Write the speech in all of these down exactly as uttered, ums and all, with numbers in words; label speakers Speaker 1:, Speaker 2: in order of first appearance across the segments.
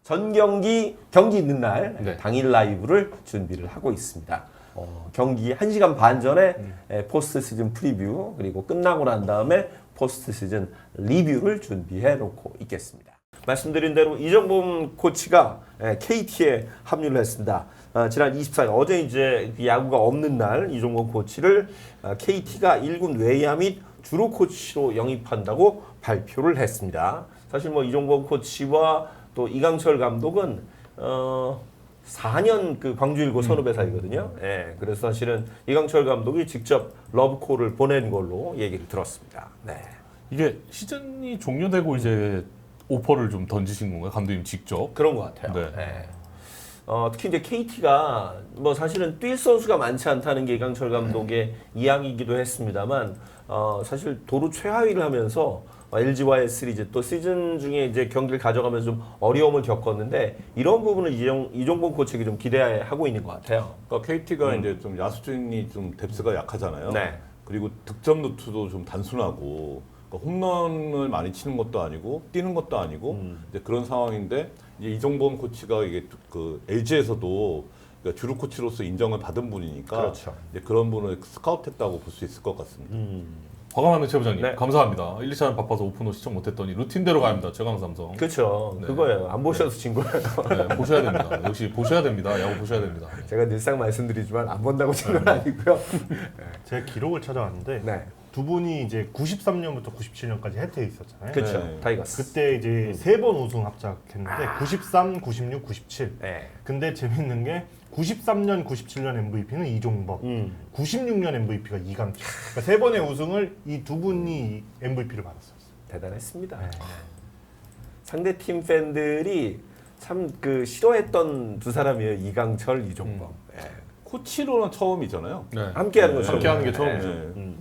Speaker 1: 전 경기 경기 있는 날
Speaker 2: 네.
Speaker 1: 당일 라이브를 준비를 하고 있습니다. 어, 경기 한 시간 반 전에
Speaker 2: 음.
Speaker 1: 에, 포스트 시즌 프리뷰 그리고 끝나고 난 다음에 포스트 시즌 리뷰를 준비해 놓고 있겠습니다. 말씀드린 대로 이정범 코치가 에, 케이티에 합류를 했습니다. 어, 지난 이십사 일 어제 이제 야구가 없는 날 이정범 코치를 어, 케이티가 일 군 외야 및 주루 코치로 영입한다고 발표를 했습니다. 사실 뭐 이정범 코치와 또 이강철 감독은 어 사 년 그 광주 일고 선후배 사이거든요. 예, 그래서 사실은 이강철 감독이 직접 러브콜을 보낸 걸로 얘기를 들었습니다. 네.
Speaker 2: 이게 시즌이 종료되고 이제 오퍼를 좀 던지신 건가요? 감독님 직접?
Speaker 1: 그런 것 같아요.
Speaker 2: 네.
Speaker 1: 예. 어, 특히 이제 케이티가 뭐 사실은 뛸 선수가 많지 않다는 게 이강철 감독의 이야기이기도 했습니다만 어, 사실 도루 최하위를 하면서 엘지와의 시리즈 또 시즌 중에 이제 경기를 가져가면서 좀 어려움을 겪었는데 이런 부분을 이정, 이종범 코치에게 좀 기대하고 있는 것 같아요.
Speaker 3: 그러니까 케이티가
Speaker 1: 음.
Speaker 3: 이제 좀 야수진이 좀 뎁스가 약하잖아요.
Speaker 1: 네.
Speaker 3: 그리고 득점 루트도 좀 단순하고 그러니까 홈런을 많이 치는 것도 아니고 뛰는 것도 아니고
Speaker 1: 음.
Speaker 3: 이제 그런 상황인데 이제 이종범 코치가 이게 그 엘지에서도 그러니까 주루 코치로서 인정을 받은 분이니까
Speaker 1: 그렇죠.
Speaker 3: 이제 그런 분을 스카우트했다고 볼 수 있을 것 같습니다.
Speaker 1: 음.
Speaker 2: 과감하는 최부장님
Speaker 1: 네.
Speaker 2: 감사합니다. 일, 이 차는 바빠서 오픈호 시청 못했더니 루틴대로 갑니다. 최강삼성.
Speaker 1: 그렇죠.
Speaker 2: 네.
Speaker 1: 그거예요. 안 보셔서 진 거예요.
Speaker 2: 네, 보셔야 됩니다. 역시 보셔야 됩니다. 야구 보셔야 됩니다.
Speaker 1: 제가 늘상 말씀드리지만 안 본다고 진 건 아니고요.
Speaker 4: 제가 기록을 찾아왔는데
Speaker 1: 네.
Speaker 4: 두 분이 이제 구십삼 년부터 구십칠 년까지 해태에 있었잖아요.
Speaker 1: 그렇죠.
Speaker 3: 네.
Speaker 1: 타이거스.
Speaker 4: 그때 이제 세 번 우승 합작했는데 구십삼, 구십육, 구십칠.
Speaker 1: 네.
Speaker 4: 근데 재밌는 게 구십삼 년, 구십칠 년 엠브이피는 이종범,
Speaker 1: 음.
Speaker 4: 구십육 년 엠브이피가 이강철. 그러니까 세 번의 우승을 이 두 분이 엠브이피를 받았어요.
Speaker 1: 대단했습니다.
Speaker 4: 네.
Speaker 1: 상대 팀 팬들이 참 그 싫어했던 두 사람이에요. 이강철, 이종범. 예.
Speaker 3: 코치로는 처음이잖아요.
Speaker 2: 네.
Speaker 1: 함께하는
Speaker 3: 네.
Speaker 1: 거죠.
Speaker 2: 함께하는 게
Speaker 1: 네.
Speaker 2: 처음이죠.
Speaker 3: 네.
Speaker 1: 음.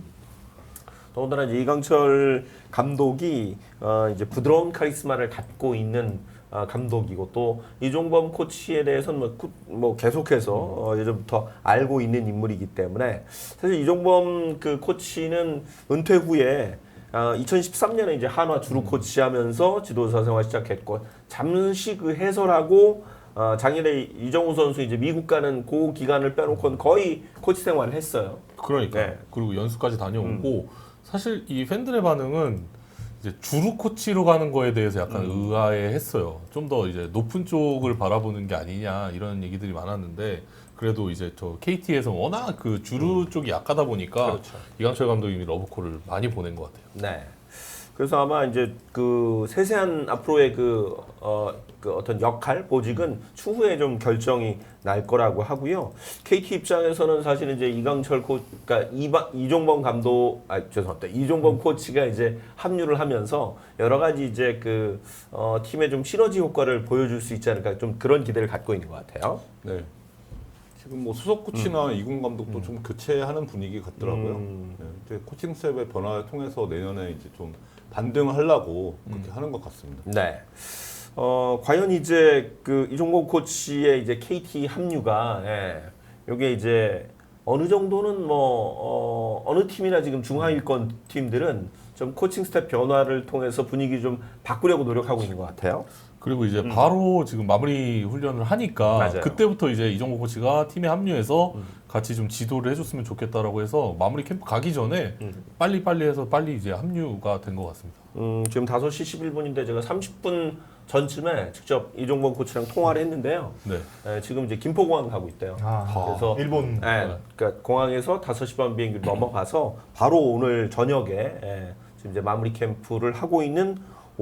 Speaker 1: 더군다나 이제 이강철 감독이 어 이제 부드러운 카리스마를 갖고 있는 어 감독이고 또 이종범 코치에 대해서는 뭐, 구, 뭐 계속해서 어 예전부터 알고 있는 인물이기 때문에 사실 이종범 그 코치는 은퇴 후에 어 이천십삼 년에 이제 한화 주루 코치하면서 지도자 생활 시작했고 잠시 그 해설하고 어 작년에 이정우 선수 이제 미국 가는 그 기간을 빼놓고는 거의 코치 생활을 했어요.
Speaker 2: 그러니까
Speaker 1: 네.
Speaker 2: 그리고 연수까지 다녀오고 사실 이 팬들의 반응은 이제 주루 코치로 가는 거에 대해서 약간
Speaker 1: 음.
Speaker 2: 의아해했어요. 좀 더 이제 높은 쪽을 바라보는 게 아니냐 이런 얘기들이 많았는데 그래도 이제 저 케이티에서 워낙 그 주루 쪽이 약하다 보니까
Speaker 1: 그렇죠.
Speaker 2: 이강철 감독님이 러브콜을 많이 보낸 것 같아요.
Speaker 1: 네. 그래서 아마 이제 그 세세한 앞으로의 그, 어, 그 어떤 역할, 보직은 추후에 좀 결정이 날 거라고 하고요. 케이티 입장에서는 사실 이제 이강철 코, 그러니까 이바, 이종범 감독, 아 죄송합니다. 이종범 코치가 이제 합류를 하면서 여러 가지 이제 그 어, 팀의 좀 시너지 효과를 보여줄 수 있지 않을까 좀 그런 기대를 갖고 있는 것 같아요.
Speaker 3: 네. 지금 뭐 수석 코치나 이군 감독도 좀 교체하는 분위기 같더라고요.
Speaker 1: 음.
Speaker 3: 네, 이제 코칭 스텝의 변화를 통해서 내년에 이제 좀 반등하려고 그렇게 하는 것 같습니다.
Speaker 1: 네. 어, 과연 이제 그 이종범 코치의 이제 케이티 합류가, 예, 요게 이제 어느 정도는 뭐, 어, 어느 팀이나 지금 중하위권 팀들은 좀 코칭 스텝 변화를 통해서 분위기 좀 바꾸려고 노력하고 있는 것 같아요.
Speaker 2: 그리고 이제 바로 지금 마무리 훈련을 하니까
Speaker 1: 맞아요.
Speaker 2: 그때부터 이제 이정호 코치가 팀에 합류해서
Speaker 1: 음.
Speaker 2: 같이 좀 지도를 해줬으면 좋겠다라고 해서 마무리 캠프 가기 전에
Speaker 1: 음.
Speaker 2: 빨리 빨리 해서 빨리 이제 합류가 된 것 같습니다.
Speaker 1: 음, 지금 다섯 시 십일 분인데 제가 삼십 분 전쯤에 직접 이종범 코치랑 통화를 했는데요.
Speaker 2: 네.
Speaker 1: 예, 지금 이제 김포공항 가고 있대요.
Speaker 4: 아,
Speaker 1: 그래서
Speaker 4: 일본.
Speaker 1: 예, 그러니까 공항에서 다섯 시 반 비행기로 넘어가서 바로 오늘 저녁에 예, 지금 이제 마무리 캠프를 하고 있는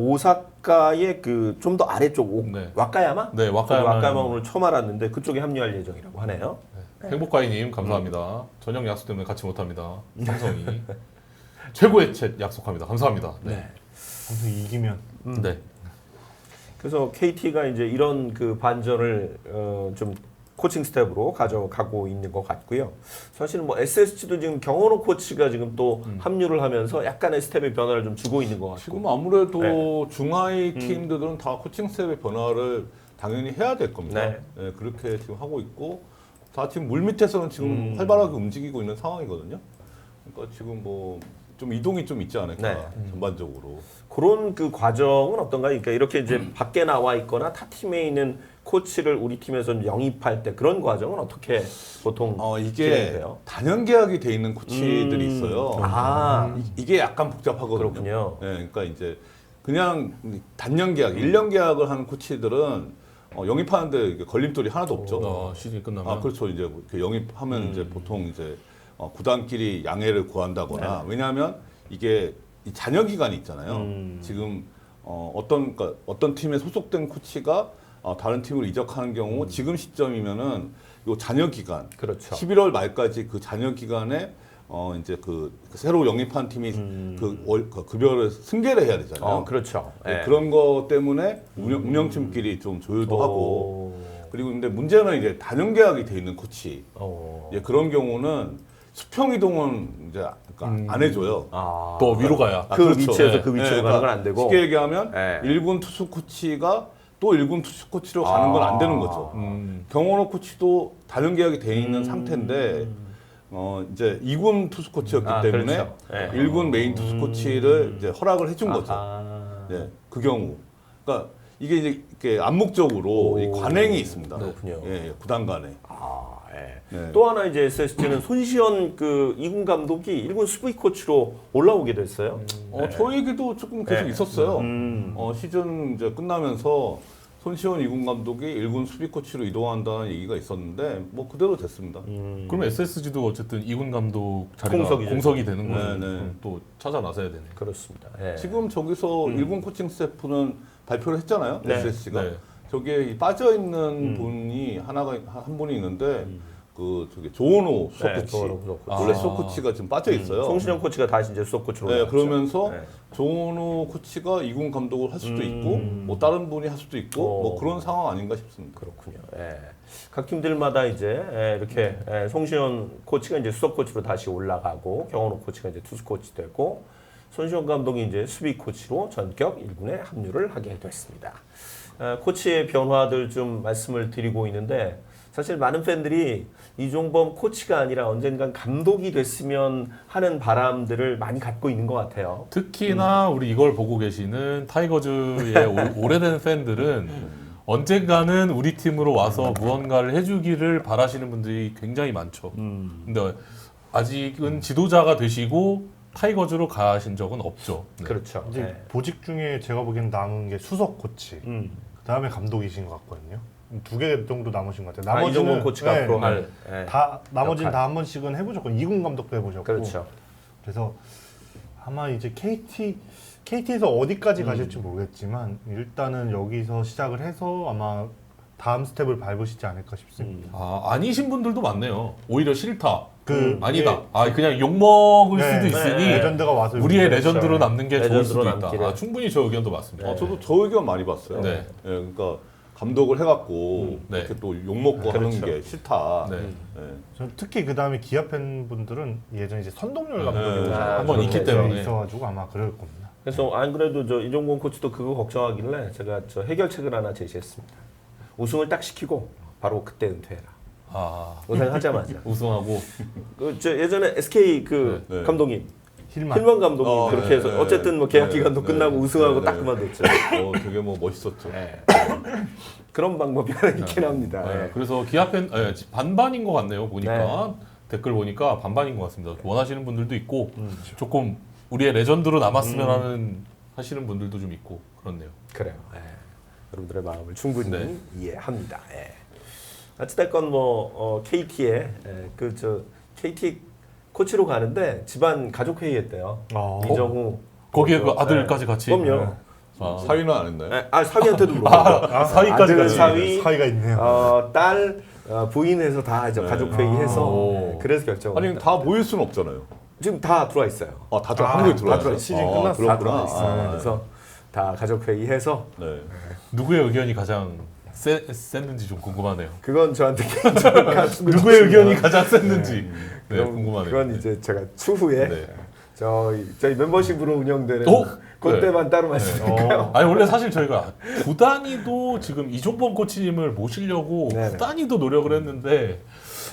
Speaker 1: 오사카의 그 좀 더 아래쪽 오,
Speaker 2: 네.
Speaker 1: 와카야마?
Speaker 2: 네, 와카야마.
Speaker 1: 와카야마 오늘 처음 알았는데 그쪽에 합류할 예정이라고 하네요.
Speaker 2: 행복가이님 감사합니다. 저녁 약속 때문에 같이 못합니다. 삼성이 최고의 챗 약속합니다. 감사합니다. 네.
Speaker 4: 방송 이기면
Speaker 2: 네.
Speaker 1: 그래서 케이티가 이제 이런 그 반전을 어, 좀 코칭 스텝으로 가져가고 있는 것 같고요. 사실은 뭐 에스에스지도 지금 경원호 코치가 지금 또 합류를 하면서 약간의 스텝의 변화를 좀 주고 있는 것 같고.
Speaker 3: 지금 아무래도
Speaker 1: 네.
Speaker 3: 중하위 팀들은 다 코칭 스텝의 변화를 당연히 해야 될 겁니다.
Speaker 1: 네.
Speaker 3: 네, 그렇게 지금 하고 있고 다 지금 물 밑에서는 지금
Speaker 1: 음.
Speaker 3: 활발하게 움직이고 있는 상황이거든요. 그러니까 지금 뭐 좀 이동이 좀 있지 않을까
Speaker 1: 네.
Speaker 3: 전반적으로.
Speaker 1: 그런 그 과정은 어떤가요? 그러니까 이렇게 이제 밖에 나와 있거나 타 팀에 있는 코치를 우리 팀에서 영입할 때 그런 과정은 어떻게 보통
Speaker 3: 어 이게
Speaker 1: 진행돼요?
Speaker 3: 단연 계약이 돼 있는 코치들이
Speaker 1: 음.
Speaker 3: 있어요.
Speaker 1: 아,
Speaker 3: 이- 이게 약간 복잡하거든요.
Speaker 1: 그렇군요.
Speaker 3: 예, 그러니까 이제 그냥 단년 계약, 일 년 계약을 하는 코치들은 어, 영입하는데 이게 걸림돌이 하나도 없죠.
Speaker 2: 어, 시즌이 끝나면
Speaker 3: 아 그렇죠. 이제 그 영입하면
Speaker 1: 음.
Speaker 3: 이제 보통 이제 어, 구단끼리 양해를 구한다거나 왜냐하면 이게 이 잔여 기간이 있잖아요.
Speaker 1: 음.
Speaker 3: 지금 어, 어떤 그러니까 어떤 팀에 소속된 코치가 어, 다른 팀으로 이적하는 경우
Speaker 1: 음.
Speaker 3: 지금 시점이면은 요 잔여 기간
Speaker 1: 그렇죠.
Speaker 3: 십일월 말까지 그 잔여 기간에 어 이제 그 새로 영입한 팀이
Speaker 1: 음.
Speaker 3: 그, 월, 그 급여를 승계를 해야 되잖아요.
Speaker 1: 어, 그렇죠.
Speaker 3: 네,
Speaker 1: 예.
Speaker 3: 그런 거 때문에 운영, 운영팀끼리 좀 조율도 하고
Speaker 1: 오.
Speaker 3: 그리고 근데 문제는 이제 단연 계약이 돼 있는 코치
Speaker 1: 어.
Speaker 3: 예, 그런 경우는 수평 이동은 이제 그러니까 안 해줘요.
Speaker 1: 아.
Speaker 2: 또 위로 가야.
Speaker 1: 그 위치에서
Speaker 3: 예,
Speaker 1: 그 위치로
Speaker 3: 예,
Speaker 1: 가는 건 안 되고.
Speaker 3: 쉽게 얘기하면
Speaker 1: 예.
Speaker 3: 일 군 투수 코치가 또 일 군 투수 코치로 가는 건 안 되는 거죠.
Speaker 2: 음.
Speaker 3: 경원호 코치도 단연 계약이 돼 있는 상태인데 어 이제 이 군 투수 코치였기
Speaker 1: 아,
Speaker 3: 때문에
Speaker 1: 그렇죠. 예.
Speaker 3: 일 군 메인 투수 코치를 이제 허락을 해준 거죠.
Speaker 1: 아.
Speaker 3: 예, 그 경우. 그러니까 이게 이제 이렇게 암묵적으로
Speaker 1: 오.
Speaker 3: 이 관행이 있습니다.
Speaker 1: 그렇군요.
Speaker 3: 예, 예, 구단 간에.
Speaker 1: 아, 예.
Speaker 3: 네.
Speaker 1: 또 하나 이제 에스에스지는 손시현 그 이군 감독이 일 군 수비 코치로 올라오게 됐어요.
Speaker 3: 어, 저에게도 조금 계속
Speaker 1: 네.
Speaker 3: 있었어요.
Speaker 1: 음.
Speaker 3: 어, 시즌 이제 끝나면서 손시원 이 군 감독이 일 군 수비 코치로 이동한다는 얘기가 있었는데 뭐 그대로 됐습니다.
Speaker 1: 음.
Speaker 2: 그럼 에스에스지도 어쨌든 이군 감독 자리가
Speaker 1: 공석이죠.
Speaker 2: 공석이 되는 거죠.
Speaker 3: 네, 네.
Speaker 2: 그럼 또 찾아 나서야 되네.
Speaker 1: 그렇습니다. 예.
Speaker 3: 지금 저기서 일 군 코칭 스태프는 발표를 했잖아요.
Speaker 1: 네.
Speaker 3: 에스에스지가.
Speaker 2: 네.
Speaker 3: 저기에 빠져 있는
Speaker 1: 음.
Speaker 3: 분이 하나가 한 분이 있는데 그 저기 조은호 수석
Speaker 1: 네,
Speaker 3: 코치.
Speaker 1: 조은호 수석 코치.
Speaker 3: 원래
Speaker 2: 아.
Speaker 3: 수석 코치가 지금 빠져 있어요.
Speaker 1: 송신영 코치가 다시 이제 수석 코치로
Speaker 3: 네,
Speaker 1: 올라왔죠.
Speaker 3: 그러면서
Speaker 1: 네.
Speaker 3: 조은호 코치가 이 군 감독을 할 수도
Speaker 1: 음.
Speaker 3: 있고 뭐 다른 분이 할 수도 있고
Speaker 1: 어.
Speaker 3: 뭐 그런 상황 아닌가 싶습니다.
Speaker 1: 그렇군요. 예. 각 팀들마다 이제 예, 이렇게 예, 송시현 코치가 이제 수석 코치로 다시 올라가고 경원호 코치가 이제 투수 코치 되고 손시현 감독이 이제 수비 코치로 전격 일 군에 합류를 하게 됐습니다. 어, 코치의 변화들 좀 말씀을 드리고 있는데 사실 많은 팬들이 이종범 코치가 아니라 언젠간 감독이 됐으면 하는 바람들을 많이 갖고 있는 것 같아요.
Speaker 2: 특히나 우리 이걸 보고 계시는 타이거즈의 오- 오래된 팬들은 언젠가는 우리 팀으로 와서 무언가를 해주기를 바라시는 분들이 굉장히 많죠.
Speaker 1: 음.
Speaker 2: 근데 아직은 지도자가 되시고 타이거즈로 가신 적은 없죠. 네.
Speaker 1: 그렇죠.
Speaker 4: 이제
Speaker 1: 예.
Speaker 4: 보직 중에 제가 보기엔 남은 게 수석 코치,
Speaker 1: 음.
Speaker 4: 그 다음에 감독이신 것 같거든요. 두 개 정도 남으신 것 같아요.
Speaker 1: 아, 이종범 코치가
Speaker 4: 네,
Speaker 1: 앞으로
Speaker 4: 네.
Speaker 1: 할 예.
Speaker 4: 다 나머지는
Speaker 1: 역할.
Speaker 4: 다 한 번씩은 해보셨고 이 군 감독도 해보셨고
Speaker 1: 그렇죠.
Speaker 4: 그래서 아마 이제 케이티 케이티에서 어디까지
Speaker 1: 음.
Speaker 4: 가실지 모르겠지만 일단은 여기서 시작을 해서 아마 다음 스텝을 밟으시지 않을까 싶습니다.
Speaker 2: 아, 아니신 분들도 많네요. 오히려 싫다.
Speaker 4: 그
Speaker 2: 아니다. 아, 그냥 욕 먹을
Speaker 4: 네,
Speaker 2: 수도 있으니
Speaker 1: 네.
Speaker 4: 레전드가 와서
Speaker 2: 우리의
Speaker 4: 여기
Speaker 2: 레전드로 남는 게 좋을
Speaker 1: 레전드로
Speaker 2: 수도 있다.
Speaker 1: 남기를.
Speaker 2: 아, 충분히 저 의견도 맞습니다.
Speaker 3: 어, 저도 저 의견 많이 봤어요.
Speaker 2: 네.
Speaker 3: 예, 그러니까 감독을 해갖고
Speaker 2: 네.
Speaker 3: 이렇게 또 욕 먹고 하는
Speaker 1: 그렇죠.
Speaker 3: 게 싫다.
Speaker 2: 네.
Speaker 3: 예.
Speaker 4: 저는 특히 그 다음에 기아 팬분들은 예전 이제 선동열
Speaker 2: 네.
Speaker 4: 감독이
Speaker 1: 아,
Speaker 2: 한번 있기
Speaker 1: 그렇죠.
Speaker 2: 때문에.
Speaker 4: 있어가지고 아마 그럴 겁니다.
Speaker 1: 그래서 안 그래도 저 이종범 코치도 그거 걱정하길래 제가 저 해결책을 하나 제시했습니다. 우승을 딱 시키고 바로 그때 은퇴해라.
Speaker 2: 아,
Speaker 1: 우승하자마자.
Speaker 2: 우승하고
Speaker 1: 그 저 예전에 에스케이 그
Speaker 3: 네. 네.
Speaker 1: 감독님
Speaker 4: 힐만
Speaker 1: 힐만 감독이
Speaker 3: 어,
Speaker 1: 그렇게
Speaker 3: 네,
Speaker 1: 해서
Speaker 3: 네,
Speaker 1: 어쨌든 뭐 계약
Speaker 3: 네,
Speaker 1: 기간도
Speaker 3: 네,
Speaker 1: 끝나고
Speaker 3: 네,
Speaker 1: 우승하고
Speaker 3: 네,
Speaker 1: 딱
Speaker 3: 네.
Speaker 1: 그만뒀죠.
Speaker 3: 어, 되게 뭐 멋있었죠.
Speaker 1: 네. 그런 방법이 하나 있긴 합니다.
Speaker 2: 네,
Speaker 1: 네.
Speaker 2: 그래서 기아 팬 예, 반반인 것 같네요. 보니까 댓글 보니까 반반인 것 같습니다. 원하시는 분들도 있고
Speaker 1: 음.
Speaker 2: 조금 우리의 레전드로 남았으면 하는 하시는 분들도 좀 있고 그렇네요.
Speaker 1: 그래요. 예. 여러분들의 마음을 충분히
Speaker 2: 네.
Speaker 1: 이해합니다. 예. 어찌됐건 뭐 어, 케이티에 그 저 케이티 코치로 가는데 집안 가족 회의했대요.
Speaker 4: 어.
Speaker 1: 이정우
Speaker 2: 거기에 그
Speaker 1: 어,
Speaker 2: 아들까지 같이.
Speaker 1: 그럼요.
Speaker 2: 아,
Speaker 3: 사위는 안 했나요?
Speaker 1: 예, 아 사위한테도 물어봤고
Speaker 2: 아, 사위까지
Speaker 1: 아들,
Speaker 2: 같이.
Speaker 1: 사위,
Speaker 4: 사이가 있네요.
Speaker 1: 어, 딸, 어, 부인해서 다 이제
Speaker 3: 네.
Speaker 1: 가족 회의해서
Speaker 2: 오.
Speaker 1: 예, 그래서 결정을.
Speaker 3: 아니
Speaker 1: 했다.
Speaker 3: 다 모일 수는 없잖아요.
Speaker 1: 지금 다 들어와 있어요.
Speaker 3: 아, 다들
Speaker 4: 아,
Speaker 3: 한국에
Speaker 4: 다
Speaker 3: 들어와
Speaker 1: 들어와
Speaker 3: 있어요.
Speaker 1: 시즌
Speaker 3: 아,
Speaker 1: 끝났어. 다
Speaker 3: 그렇구나.
Speaker 1: 들어와 있어.
Speaker 3: 아,
Speaker 1: 그래서 다 가족 회의해서
Speaker 3: 네.
Speaker 2: 누구의 의견이 가장 세, 셌는지 좀 궁금하네요.
Speaker 1: 그건 저한테 개인적으로 가슴을
Speaker 2: 누구의
Speaker 1: 주시면
Speaker 2: 의견이 가장 셌는지 네,
Speaker 1: 그건-
Speaker 2: 궁금하네요.
Speaker 1: 그건 이제 제가 추후에
Speaker 2: 네.
Speaker 1: 저희 저희 멤버십으로 운영되는
Speaker 2: 어?
Speaker 1: 그때만 따로 말씀드릴까요?
Speaker 2: 아니 원래 사실 저희가 구단위도 지금 이종범 코치님을 모시려고
Speaker 1: 네네.
Speaker 2: 구단위도 노력을 했는데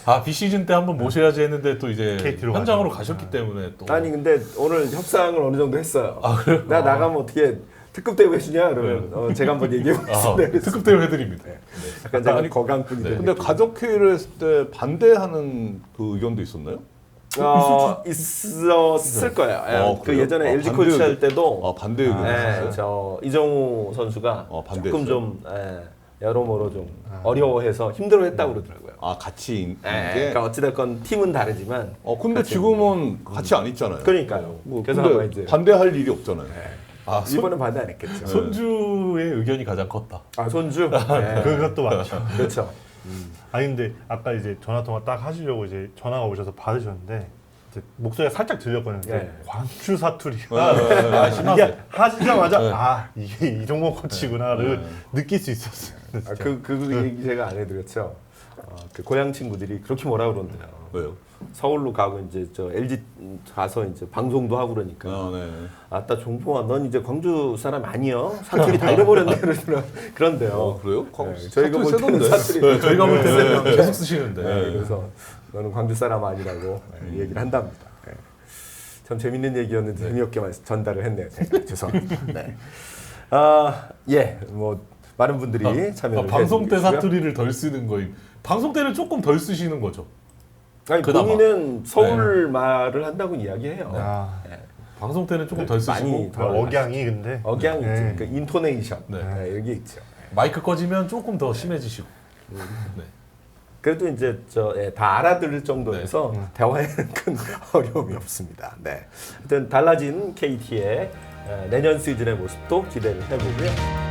Speaker 2: 아 비시즌 때 한번 모셔야지 했는데 또 이제
Speaker 4: 케이티로
Speaker 2: 현장으로
Speaker 4: 가죠.
Speaker 2: 가셨기 때문에 또
Speaker 1: 아니 근데 오늘 협상을 어느 정도 했어요.
Speaker 2: 아, 그래요?
Speaker 1: 나 나가면 어떻게 특급 대우 해주냐 그러면 어, 제가 한번 얘기해
Speaker 2: 아,
Speaker 1: 보겠습니다.
Speaker 2: 특급 대우 해드립니다.
Speaker 1: 약간 제가
Speaker 3: 아니,
Speaker 1: 거강꾼이
Speaker 2: 네.
Speaker 1: 되는
Speaker 3: 근데
Speaker 1: 느낌.
Speaker 3: 가족 회의를 했을 때 반대하는 그 의견도 있었나요?
Speaker 1: 어, 있었을 거예요. 예,
Speaker 3: 어,
Speaker 1: 그
Speaker 3: 그래요?
Speaker 1: 예전에
Speaker 3: 어,
Speaker 1: 엘지
Speaker 3: 반대
Speaker 1: 코치 할
Speaker 3: 의견.
Speaker 1: 때도
Speaker 3: 아 반대 의견이
Speaker 1: 예,
Speaker 3: 있었어요?
Speaker 1: 저 이정우 선수가
Speaker 3: 어,
Speaker 1: 조금
Speaker 3: 반대했어요?
Speaker 1: 좀 예, 여러모로 좀 어려워해서 힘들어했다고 그러더라고요.
Speaker 3: 아 같이 있는
Speaker 1: 예,
Speaker 3: 게.
Speaker 1: 그러니까 어찌됐건 팀은 다르지만
Speaker 3: 어 근데
Speaker 1: 같이
Speaker 3: 지금은 같이 안 있잖아요.
Speaker 1: 그러니까요.
Speaker 3: 뭐,
Speaker 1: 그래서
Speaker 3: 근데
Speaker 1: 아마 이제
Speaker 3: 반대할 일이 없잖아요.
Speaker 2: 아 손,
Speaker 1: 이번엔 반대 안 했겠죠.
Speaker 2: 손주의 의견이 가장 컸다.
Speaker 1: 아 손주. 예,
Speaker 4: 그것도 맞죠.
Speaker 1: 그렇죠.
Speaker 4: 아니 근데 아까 이제 전화 통화 딱 하시려고 이제 전화가 오셔서 받으셨는데 이제 목소리가 살짝 들렸거든요.
Speaker 1: 네.
Speaker 4: 광주 사투리가
Speaker 2: 아, 심하세요.
Speaker 4: 이게 하시자마자
Speaker 2: 네.
Speaker 4: 아 이게 이종범 코치구나를 느낄 수 있었어요.
Speaker 1: 아,
Speaker 4: 진짜.
Speaker 1: 그, 그 얘기 제가 안 해드렸죠. 어, 그 고향 친구들이 그렇게 뭐라 그러는데요.
Speaker 3: 왜요?
Speaker 1: 서울로 가고 이제 저 엘지 가서 이제 방송도 하고 그러니까
Speaker 3: 아 네.
Speaker 1: 아따 종봉아 넌 이제 광주 사람 아니여 사투리 다 잃어버렸네 그러더라 그런데요.
Speaker 3: 어 그래요?
Speaker 1: 네, 저희가 볼 때는
Speaker 3: 세던데.
Speaker 1: 사투리
Speaker 2: 네, 저희가 볼 때는 계속 쓰시는데.
Speaker 1: 네, 그래서 너는 광주 사람 아니라고 네, 얘기를 한답니다. 네. 참 재밌는 얘기였는데 재미없게 말- 전달을 했네요. 제가. 죄송합니다. 네. 아, 예, 뭐 많은 분들이
Speaker 2: 아,
Speaker 1: 참여를
Speaker 2: 아, 방송 때
Speaker 1: 해주시고요.
Speaker 2: 사투리를 덜 쓰는 거임. 방송 때는 조금 덜 쓰시는 거죠.
Speaker 1: 아니
Speaker 2: 그나마.
Speaker 1: 본인은 서울 말을 한다고 이야기해요.
Speaker 4: 아,
Speaker 1: 네.
Speaker 2: 방송 때는 조금 덜 쓰시고
Speaker 1: 많이 덜
Speaker 4: 억양이 근데
Speaker 1: 억양이
Speaker 4: 네.
Speaker 1: 있죠. 그 인토네이션
Speaker 2: 네.
Speaker 1: 네, 여기 있죠.
Speaker 2: 마이크 꺼지면 조금 더 심해지시고. 네.
Speaker 1: 그래도 이제 저 예, 다 알아들을 정도에서
Speaker 2: 네.
Speaker 1: 대화에는 큰 어려움이 없습니다. 네. 하여튼 달라진 케이티의 어, 내년 시즌의 모습도 기대를 해보고요.